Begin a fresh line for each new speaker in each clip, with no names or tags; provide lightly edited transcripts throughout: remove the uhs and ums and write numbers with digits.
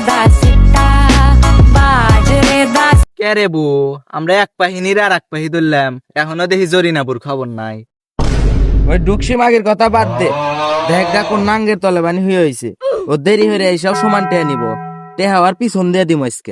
কে রে বু, আমরা এক পাহিনীর আর এক পাহি ধরলাম, এখনো দেখি জরিনাপুর খবর নাই।
ওই ডুকসি মাগের কথা বাদ দে, দেখ গা কোন নাঙ্গের তলে বানি হয়ে হয়েছে। ও দেরি হয়ে এইসব সমান টেয়া নিব, টেহাওয়ার পিছন দিয়ে দিব আজকে।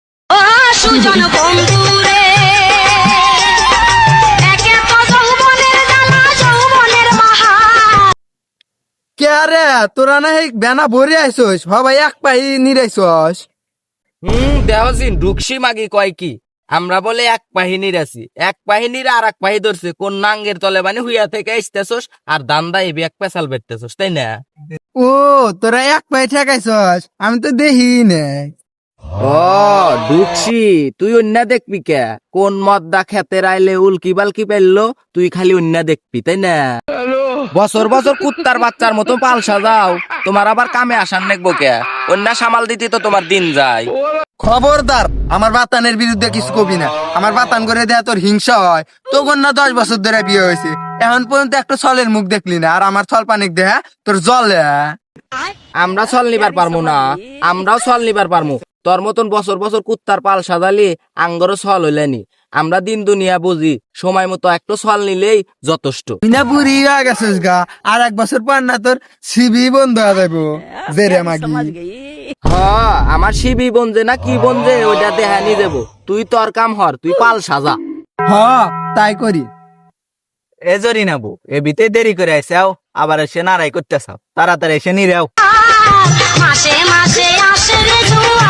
কে রে তোরা না এই বেনা ভরে আইসোস ভাই এক পাহি নিরাইছস।
দেহজিন ডুকসি মাগি কয় কি, আমরা বলে এক বাহিনীর আছি, এক বাহিনীর আর এক বাহি ধরছে কোন নাঙ্গের তলে বানি হুইয়া থেকে আসতেছস আর দান্দা এবি এক পেশাল বেরতেছস, তাই না?
ও তোরা এক পাহি ঠেকাইছস, আমি তো দেখি নাই।
ও ডুকসি, তুই অন্য দেখবি কে? কোন মদ্দা খেতে রাইলে উল্কি বালকি পেললো, তুই খালি অন্য দেখবি, তাই না? বছর বছর কুত্তার বাচ্চার মতো পাল সাজাও, তোমার আবার কামে আসার নেকবো কে? অন্য সামাল দিতে তো তোমার দিন যায়।
খবরদার আমার বাতানের বিরুদ্ধে কিছু কবি না। আমার বাতান করে দেয়া তোর হিংসা হয়। তোর না 10 বছর ধরে বিয়ে হয়েছে, এখন পর্যন্ত একটা ছলের মুখ দেখলি না, আর আমার ছল পানিক দেহা তোর জলে।
আমরা ছল নিবার পারমু না, আমরাও ছল নিবার পারমু। তোর মতন বছর বছর কুত্তার পাল সাজালি আঙ্গরও ছল হইলেনি। আমরা দিন দুনিয়া বুঝি, সময় মতো একটু ছল নিলেই যথেষ্ট।
তুই না বুড়ি হয়ে গেছিস গা, আর 1 বছর পর না তোর সিবি বন্ধ হয়ে যাবো জেরে মাগি।
আমার শিবি বনজে না কি বনজে ওইটা দেখানি দেবো। তুই তোর কাম হর, তুই পাল সাজা।
তাই করি।
এ জরিনাবু, এ বিতে দেরি করে আইসাও, আবার এসে নারাই করতেছাও, তাড়াতাড়ি এসে নিরাও।
মাসে মাসে আসে রে জুয়া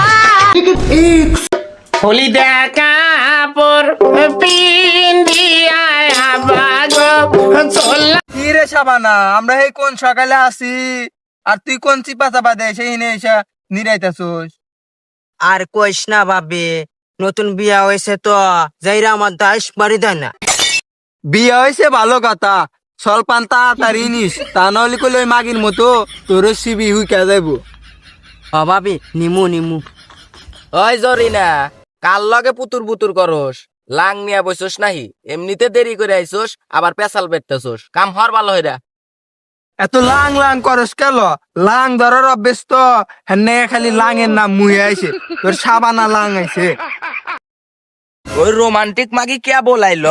হলি দেখা পর পিন্দিয়া বাগো চলা।
কি রে শাবানা, আমরা এই কোন সকালে আসি আর তুই কোন চিপা চাপা দে সেই নে এসে নিরাইতাছস।
আর কইস না ভাবি, নতুন বিয়া হয়েছে তো যাইরা আমার দাস বাড়ি দেয় না।
বিয়ে হয়েছে ভালো কথা, সলপান তাড়াতাড়ি নিস, তা নাহলে কইলে ওই মাগির মতো তোর সিবি হুইকা যাইব।
ভাবি নিমু নিমু।
ওই জরিনা, কাল লগে পুতুর পুতুর করস, লাং নিয়া বসছস নাহি? এমনিতে দেরি করে আইছস, আবার পেশাল বেরতেছস, কাম হর ভালো হইরা।
এত লাং লাং করস কেন? লাং ধরার অভ্যেস তো, হেনে খালি লাঙের নাম মুহে আইছে, তোর সাবানা লাং আইছে।
ওই রোমান্টিক মাগি কে বলাইল?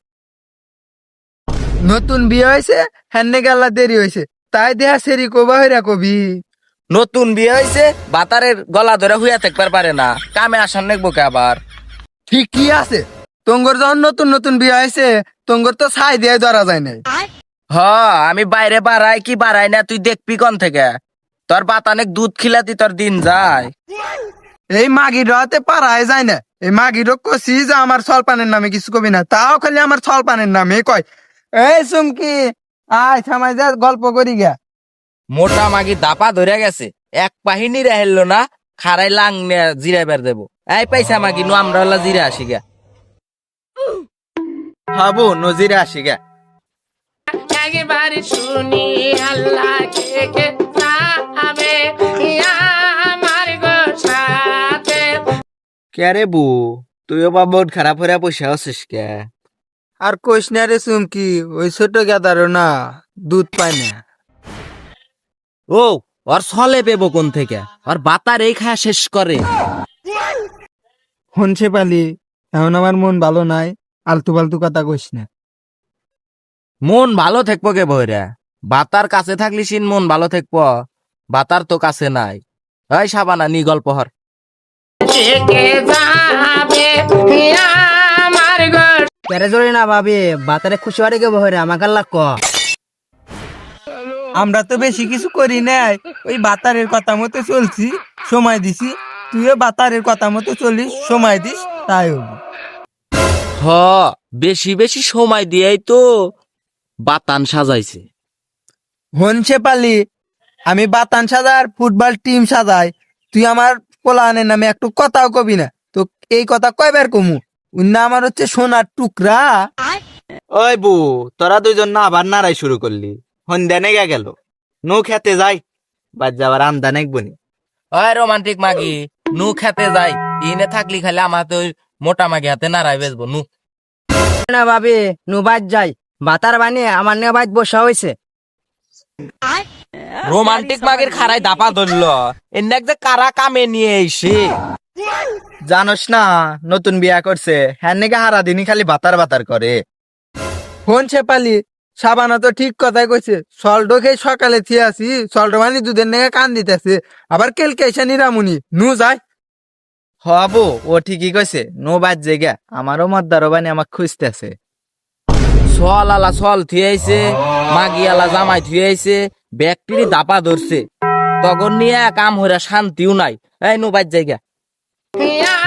নতুন বিয়ে হয়েছে, হেনে গেলা দেরি হয়েছে, তাই দেহা সেরি কবা হইরা কবি।
নতুন বিয়ে হয়েছে, বাতারের গলা ধরে হুইয়া থাকবার পারে না, কামে আসার নেকবো কে আবার?
ঠিক কি আছে, তোঙ্গর যখন নতুন নতুন বিয়ে হয়েছে, তোঙ্গর তো ছাই দিয়ে ধরা যায় নাই।
আমি বাইরে বাড়াই কি বাড়াই না তুই দেখবি কোন থেকে? তোর বাতানেক দুধ খিলাতি তোর দিন যায়।
এই মাগির রাতে পারায় যায় না, এই মাগির কছি যে আমার সলপানের নামে কিছু কবি না, তাও খালি আমার সলপানের নামে কয়। এই চুমকি আয় থামাই যা, গল্প করি গা।
মোটা মাগি দাপা ধরে গেছে, এক বাহিনী রেহেল না, খারাই লাং নিয়ে জিরাইবার দেবো। এই পয়সা মাগি নু আমরা হলা জিরা আসি গা।
হাবু নজিরে আসি গে।
একবার শুনি আল্লাহ কে কে যাবে আমার গো সাথে।
কে রে বু, তুইও বা বহুত খারাপ হইয়া পয়সা আছিস কে?
আর কইস না রে চুমকি, ওই ছোট গেদারও না দুধ পায় না।
ও ওর ছলে পেবো কোন থেকে? ওর বাতার এই খায়া শেষ করে।
হনছে পালি, এখন আমার মন ভালো নাই, আলতু ফালতু কথা কইস না।
মন ভালো থাকবো কে বইরা? বাতার কাছে থাকলি সিন মন ভালো থাকবো, বাতার তো কাছে নাই। ওই সাবানা নি গল্প হর।
কে কে যাবে আমার গো।
কেরে জড়ি না ভাবি, বাতারে খুশি হয়ে গে বহরে আমাকে আল্লাহ ক।
আমরা তো বেশি কিছু করি নাই, ওই বাতারের কথা মতো চলছি, সময় দিছি। তুইও বাতারের কথা মতো চলিস, সময় দিস, তাই হবো।
হ বেশি বেশি সময় দিয়েই তো বাতান সাজাইছে।
হনছে পালি, আমি বাতান সাজার ফুটবল টিম সাজাই, তুই আমার পোলানের নামে একটু কথাও কবি না। তো এই কথা কয়বার কমু? উন্না আমার হচ্ছে সোনার টুকরা।
ওই বু, তোরা দুইজন না আবার নারাই শুরু করলি, সন্ধ্যা নেগা গেল, নৌ খেতে যাই, বাদ যাবার আন্দা নেকবনি।
ওই রোমান্টিক মাগি, নু খেতে যাই, ইনে থাকলি খালি আমার তো মোটা মাগি হাতে নাড়াই বেচবো নু।
না ভাবি নু বাদ যাই, বাতার বানিয়ে আমার নিয়ে বাইত বসা হয়েছে।
রোমান্টিক মাগের খারাই দাপা ধরলো এনে যে কারা কামে নিয়ে এসে
জানোস না নতুন বিয়া করছে হ্যাঁ নাকি হারা দিনই খালি বাতার বাতার করে।
ফোন শেপালি সাবানা তো ঠিক কথাই কইছে, সল্টো খেয়ে সকালে থিয়ে আসি, সল্টো মানে দুধের নেগে কান দিতেছে, আবার কেলকে এসে নিরামুনি নু যায়।
হবো ও ঠিকই কইছে, নো বাদ জায়গা আমারও মদ্দারও বানি আমাক খুঁজতেছে।
সল আলা সল থুয়েছে, মাগি আলা জামাই থুয়েছে, ব্যাগটিরি দাপা ধরছে, তখন নিয়ে কাম হইরা শান্তিও নাই। এই নো বাদ জায়গা।